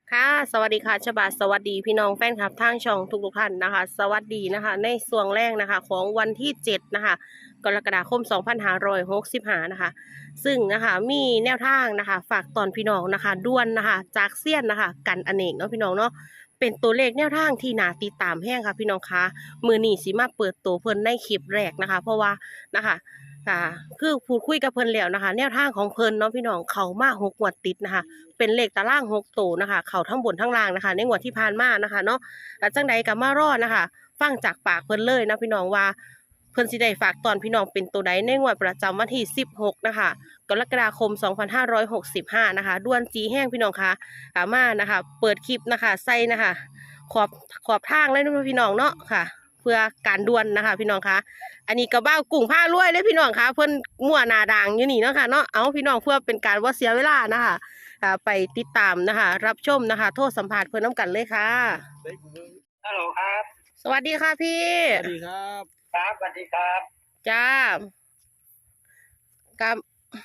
ค่ะสวัสดีค่ะฉบาสวัสดีพี่น้องแฟนคลับทางช่องทุกท่านนะคะสวัสดีนะคะในส่วงแรกนะคะของวันที่7นะคะกรกฎาคม2565นะคะซึ่งนะคะมีแนวทางนะคะฝากตอนพี่น้องนะคะด่วนนะคะจากเซียนนะคะกันอเนกเนาะพี่น้องเนาะเป็นตัวเลขแนวทางที่น่าติดตามแห้งค่ะพี่น้องคะมือนี้สิมาเปิดตัวเพิ่นในคลิปแรกนะคะเพราะว่านะคะค่ะคือพูดคุยกับเพิ่นแล้วนะคะแนวทางของเพิ่นเนาะพี่น้องเขามา6 งวดติดนะคะ เป็นเลขตาราง6 ตัวนะคะเขาทั้งบนทั้งล่างนะคะในงวดที่ผ่านมานะคะเนาะแล้วจังใดก็มารอดนะคะฟังจากปากเพิ่นเลยนะพี่น้องว่าเพิ่นสิได้ฝากตอนพี่น้องเป็นตัวใดในงวดประจำวันที่16นะคะกรกฎาคม2565นะคะด้วนจีแห้งพี่น้องคะมานะคะเปิดคลิปนะคะใส่นะคะขอบขอบทางเลยนะพี่น้องเนาะค่ะเพื่อการด่วนนะคะพี่น้องคะอันนี้ก็บ้ากุ้งผ้ารวยเลยพี่น้องคะเพิ่นมั่วหนาด่างอยู่นี่เนาะค่ะเนาะเอาพี่น้องเพื่อเป็นการว่าเสียเวลานะคะ ไปติดตามนะคะรับชมนะคะโทษสัมภาษณ์เพื่อนน้ำกันเลยค่ะฮัลโหลครับสวัสดีค่ะพี่สวัสดีครับครับสวัสดีครับจ้ากับ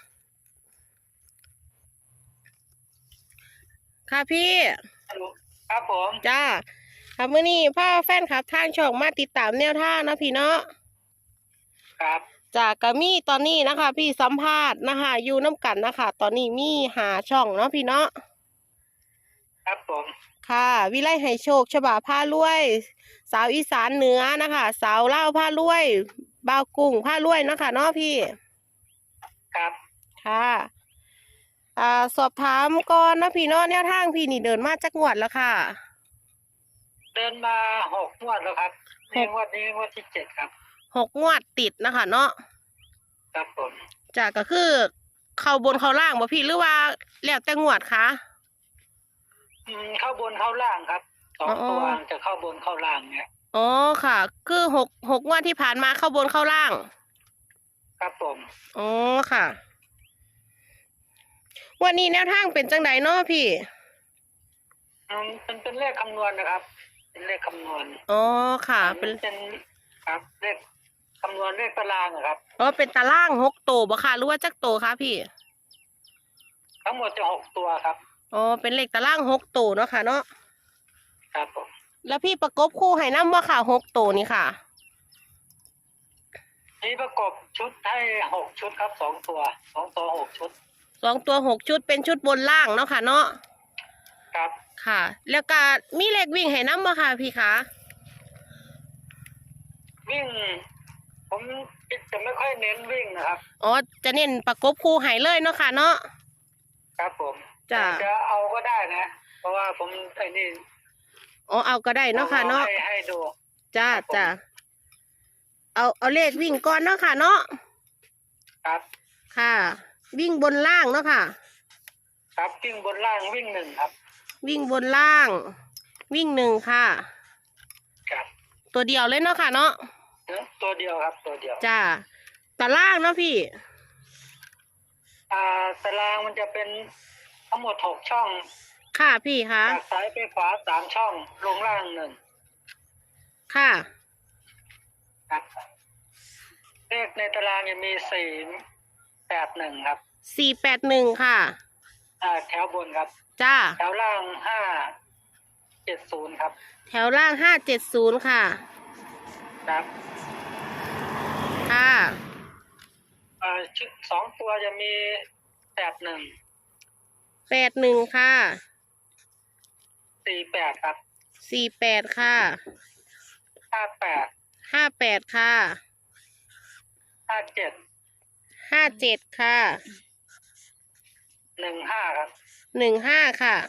ค่ะพี่ฮัลโหลครับผมจ้าค่ะมื้อนี้พ่อแฟนคลับทางช่องมาติดตามแนวทางนะพี่เนาะครับจากกะมี่ตอนนี้นะคะพี่สัมภาษณ์นะคะอยู่น้ำกันนะคะตอนนี้มีหาช่องเนาะพี่เนาะครับผมค่ะวิไลให้โชคฉบาผ้ารวย สาวอีสานเหนือนะคะสาวเล่าวผ้ารวยบ่าวกุ้งผ้ารวยเนาะค่ะเนาะพี่ครับค่ะสอบถามก่อนนะพี่เนาะแนวทางพี่นี่เดินมาจากงวดแล้วค่ะเดินมา6 งวดแล้วครับหกนี่งวดนี้งวดที่7ครับ 6 งวดติดนะคะเนาะครับผมจากก็คือเข้าบนเข้าล่างบ่พี่หรือว่าแล้วแต่งวดคะเข้าบนเข้าล่างครับสออ๋องตัวจะเข้าบนเข้าล่างเนี่ยอ๋อค่ะ คือหกงวดที่ผ่านมาเข้าบนเข้าล่างครับผมอ๋อค่ะวันนี้แนวทางเป็นจังไดเนาะพี่เป็นเลขคำนวณนะครับ เป็นเลขคำนวณอ๋อค่ะเป็นครับเลขคำนวณเลขตารางอะครับอ๋อเป็นตาราง6 ตัวบ่ค่ะหรือว่าจักตัวคะพี่ทั้งหมดจะ6 ตัวครับอ๋อเป็นเลขตาราง6 ตัวเนาะค่ะเนาะครับผมแล้วพี่ประกบคู่ให้น้ำว่าค่ะ6 ตัวนี่ค่ะนี่ประกบชุดให้6 ชุดครับ2 ตัว6 ชุด 2 ตัว6 ชุดเป็นชุดบนล่างเนาะค่ะเนาะครับค่ะ แล้วก็มีเลขวิ่งให้น้ำบ่ค่ะพี่คะวิ่งผมจะไม่ค่อยเน้นวิ่งนะครับอ๋อจะเน้นประกบคู่ให้เลยเนาะค่ะเนาะครับผมจ้ะจะเอาก็ได้นะ เพราะว่าผมไอ้นี่อ๋อเอาก็ได้เนาะค่ะเนาะให้ดูจ้าจ้าเอาเลขวิ่งก่อนเนาะค่ะเนาะครับค่ะ วิ่งบนล่างเนาะค่ะครับวิ่งบนล่างวิ่ง1ครับวิ่งบนล่าง วิ่ง1ค่ะครับตัวเดียวเลยเนาะค่ะเนาะตัวเดียวครับตัวเดียวจ้าตารางเนาะพี่ตารางมันจะเป็นทั้งหมด6 ช่องค่ะพี่คะจากซ้ายไปขวา3 ช่องลงล่าง1 ค่ะครับเลขในตารางจะมี4 8 1ครับ 481ค่ะแถวบนครับจ้าแถวล่าง5 7 0ครับแถวล่าง570ค่ะครับค่ะชุด2 ตัวจะมี81 81ค่ะ 48ครับ 48ค่ะ 58 58ค่ะ 57 57ค่ะ 15ครับ 15ค่ะ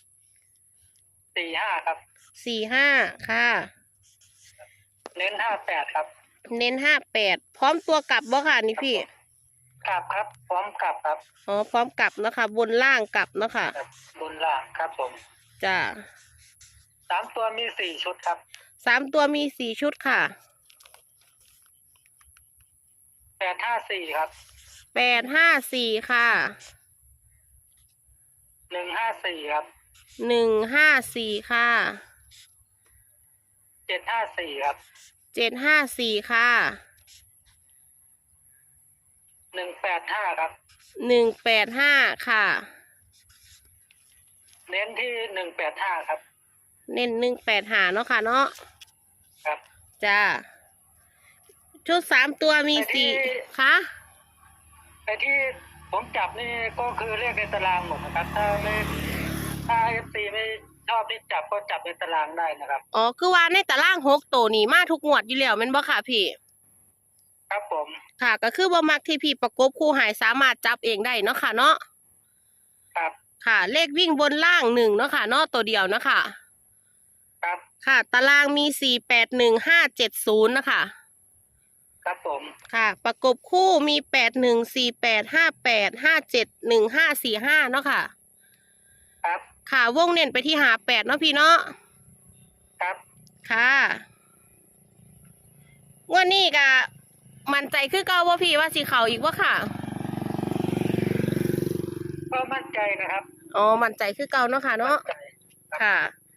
45ครับ 45ค่ะเน้น58ครับเน้น58พร้อมตัวกลับบ่ค่ะนี่พี่กลับครับพร้อมกลับครับอ๋อพร้อมกลับเนาะค่ะบนล่างกลับเนาะค่ะบนล่างครับผมจ้า 3 ตัวมี4 ชุดครับ 3 ตัวมี4 ชุดค่ะ 854ครับ 854ค่ะ 154ครับ 154ค่ะ 754ครับ 754ค่ะ 185ครับ 185ค่ะเน้นที่185ครับเน้น185เนาะค่ะเนาะครับจ้าชุด3ตัวมีแต่ที่ 4ค่ะแต่ที่ผมจับนี่ก็คือเลขในตารางหมดนะครับ ถ้า FC ไม่ชอบที่จับก็จับในตารางได้นะครับอ๋อคือว่าในตาราง6ตัวนี่มาทุกงวดอยู่แล้วแม่นบ่ค่ะพี่ครับผมค่ะก็คือบ่มักที่พี่ประกบคู่หายสามารถจับเองได้เนาะค่ะเนาะครับค่ะ เลขวิ่งบนล่าง1เนาะค่ะเนาะตัวเดียวเนาะค่ะครับค่ะตารางมี481570นะคะครับผมค่ะ ประกบคู่มี814858571545เนาะค่ะครับค่ะวงเน้นไปที่58เนาะพี่เนาะครับค่ะงวันนี้ก็มั่นใจคือเก่าว่าพี่ว่าสิเขาอีกว่าค่ะก็มั่นใจนะครับอ๋อมั่นใจคือเก่าเนาะค่ะเนาะมั่นใจค่ะ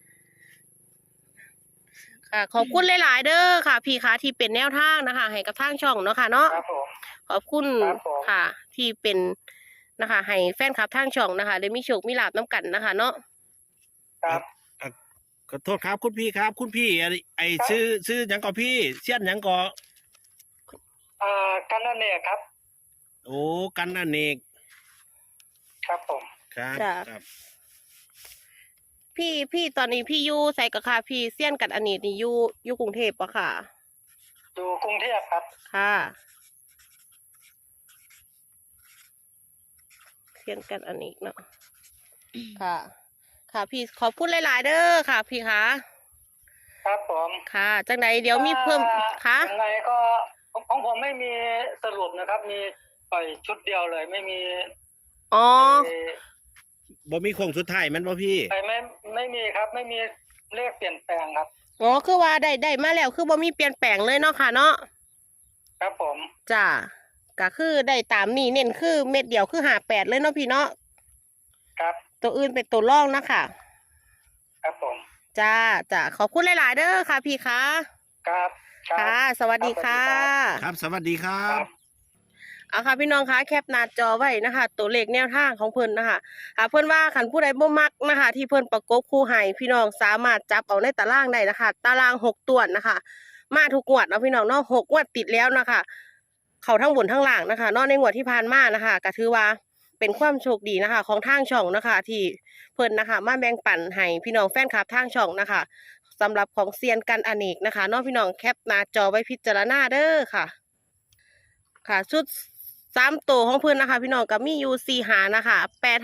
ค่ะ ขอบคุณหลาย ๆ เด้อค่ะ พี่คะที่เป็นแนวทางนะคะ ให้กับทางช่องเนาะค่ะเนาะครับผมขอบคุณครับผมค่ะ ที่เป็นนะคะ ให้แฟนคลับทางช่องนะคะได้มีโชคมีลาภน้ำกันนะคะ เนาะครับขอโทษครับคุณพี่ครับ คุณพี่ไอซื้อหยังก่อพี่เสี้ยนหยังก่อกันนั่นเนี่ยครับโอ้กันอเนกครับผมครับจ้ะครับพี่ตอนนี้พี่อยู่ใส่กับค่ะพี่เซียนกันอันนี้นี่อยู่กรุงเทพปะค่ะอยู่กรุงเทพครับค่ะเซียนกันอันนี้เนาะค่ะ ค่ะพี่ขอบคุณหลาย ๆ เด้อค่ะ พี่คะครับผมค่ะจังใดเดี๋ยวมีเพิ่มค่ะยังไงก็ของผมไม่มีสรุปนะครับ มีปล่อยชุดเดียวเลย ไม่มีอ๋อบ่มีโค้งสุดท้ายแมันบ่พี่ไม่มีครับ ไม่มีเลขเปลี่ยนแปลงครับอ๋อคือว่าได้มาแล้วคือบ่มีเปลี่ยนแปลงเลยเนาะค่ะเนาะครับผมจ้าก็คือได้ตามนี้เน้นคือเม็ดเดียวคือ58เลยเนาะพี่เนาะครับตัวอื่นเป็นตัวร่องนะคะครับผมจ้าขอบคุณหลาย ๆ เด้อค่ะ พี่คะครับครับค่ะ สวัสดีค่ะครับสวัสดีครัครับ บเอาค่ะพี่น้องคะแคปหน้าจอไว้นะคะ ตัวเลขแนวทางของเพิ่นนะคะเพิ่นว่าขันผู้ใดบ่มักนะคะ ที่เพิ่นประกบคู่ให้พี่น้องสามารถจับเอาในตารางได้นะคะ ตาราง6ตัวนะคะ มาทุกงวดเนาะพี่น้องเนาะ6งวดติดแล้วนะคะ เขาทั้งบนทั้งล่างนะคะเนอกในงวดที่ผ่านมานะคะก็ถือว่าเป็นความโชคดีนะคะ ของทางช่องนะคะ ที่เพิ่นนะคะ มาแบ่งปันให้พี่น้องแฟนคลับทางช่องนะคะสำหรับของเซียนกันอเนกนะคะเนอกพี่น้องแคปหน้าจอไว้พิจารณาเด้อค่ะ ค่ะชุด3ตัวของเพิ่นนะคะ พี่น้องก็มีอยู่4หานะคะ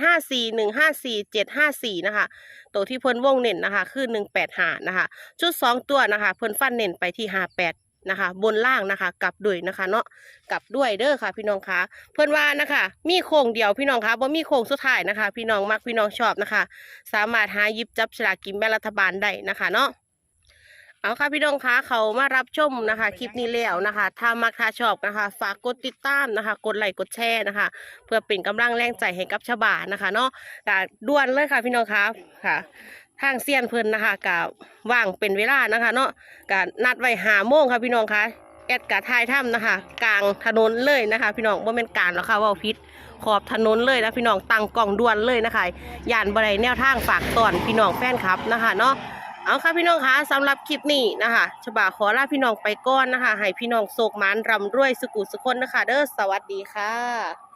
854154 754นะคะตัวที่เพิ่นวงเน้นนะคะ คือ185นะคะชุด2ตัวนะคะ เพิ่นฟันเน้นไปที่58นะคะ บนล่างนะคะกลับด้วยนะคะ เนาะกลับด้วยเด้อค่ะ พี่น้องคะเพิ่นว่านะคะ มีโค้งเดียวพี่น้องคะบ่มีโค้งสุดท้ายนะคะ พี่น้องมักพี่น้องชอบนะคะ สามารถหาหยิบจับฉลากกินแบ่งรัฐบาลได้นะคะเนาะเอาค่ะพี่น้องคะเขามารับชมนะคะ คลิปนี้แล้วนะคะ ถ้ามักถ้าชอบนะคะ ฝากกดติดตามนะคะ กดไลค์กดแชร์นะคะ เพื่อเป็นกำลังแรงใจให้กับชาวบ้านนะคะ เนาะกะด่วนเลยค่ะพี่น้องคะค่ะ ทางเซียนเพิ่นนะคะกะว่างเป็นเวลานะคะ เนาะกะนัดไว้5 โมงค่ะพี่น้องคะแอดกะทายถ้ำนะคะ กลางถนนเลยนะคะ พี่น้องบ่แม่นการหรอกค่ะเว่าพิษขอบถนนเลยนะพี่น้องตั้งกล่องด่วนเลยนะคะย่านบ่ได้แนวทางฝากตอนพี่น้องแฟนคลับนะคะเนาะเอาค่ะพี่น้องคะสำหรับคลิปนี้นะคะฉบาขอลาพี่น้องไปก่อนนะคะให้พี่น้องโศกหมานร่ำรวยสุขุสุขคนนะคะเด้อสวัสดีค่ะ